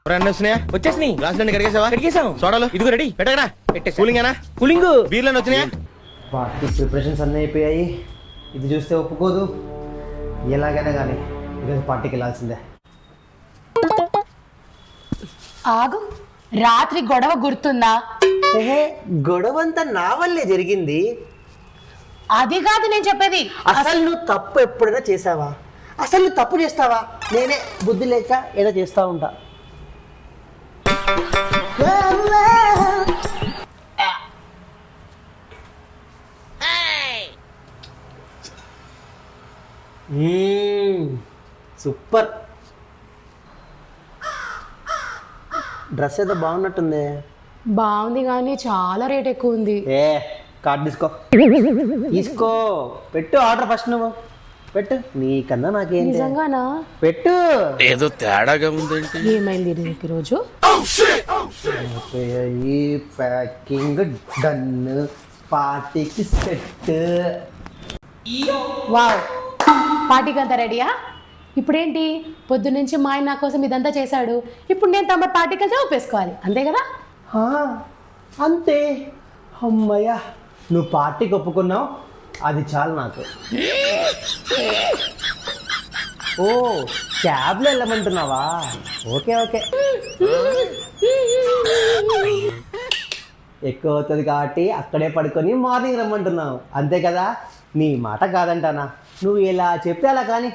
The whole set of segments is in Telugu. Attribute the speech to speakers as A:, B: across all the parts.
A: వచ్చేసినాయి.
B: గ్లాసులన్నీ కడిగేసావా?
A: కడిగేసాం.
B: సోడాలు
A: ఇదిగో రెడీ.
B: పెట్టకరా.
A: పెట్టేసా.
B: కూలింగేనా?
A: కూలింగ్.
B: బీర్లను వచ్చినాయా?
C: పార్టీ ప్రిపరేషన్స్ అన్నీ అయిపోయాయి. ఇది చూస్తే ఒప్పుకోదు. ఎలాగైనా కానీ ఈరోజు పార్టీకి వెళ్ళాల్సిందే.
D: ఆగు, రాత్రి గొడవ గుర్తుందా?
C: గొడవంతా నా వల్లే జరిగింది.
D: అది కాదు నేను చెప్పేది.
C: అసలు నువ్వు తప్పు ఎప్పుడైనా చేసావా? అసలు నువ్వు తప్పు చేస్తావా? నేనే బుద్ధి లేక ఏదో చేస్తా ఉంటా. సూపర్. డ్రెస్ ఏదో బాగున్నట్టుంది.
D: బాగుంది కానీ చాలా రేట్ ఎక్కువ ఉంది.
C: కార్డు తీసుకో పెట్టు. ఆర్డర్ ఫస్ట్ నువ్వు పెట్టు. నీకన్నా నాకేంటి?
D: నిజంగానా?
C: పెట్టు.
B: ఏదో తేడాగా ఉందేంటి?
D: ఏమైంది ఈరోజు?
C: ఈ ప్యాకింగ్ డన్. పార్టీకి సెట్.
D: వావ్, పార్టీకి అంతా రెడీయా? ఇప్పుడేంటి, పొద్దున్నుంచి మా ఆయన నా కోసం ఇదంతా చేశాడు. ఇప్పుడు నేను తమ పార్టీకి వెళ్తే ఒప్పేసుకోవాలి, అంతే కదా?
C: అంతే. అమ్మయ్యా, నువ్వు పార్టీకి ఒప్పుకున్నావు, అది చాలు నాకు. ఓ, క్యాబ్లో వెళ్ళమంటున్నావా? Okay okay. ఎక్కువ అవుతుంది కాబట్టి అక్కడే పడుకొని మార్నింగ్ రమ్మంటున్నావు, అంతే కదా? నీ మాట కాదంటానా? నువ్వు ఎలా చెప్తే అలా కానీ.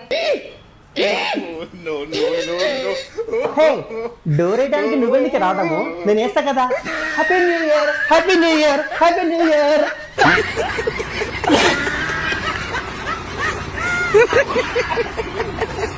C: డోర్ వేయడానికి నువ్వెందుకు రావడము? నేను వేస్తా కదా. Happy new year, happy new year, happy new year.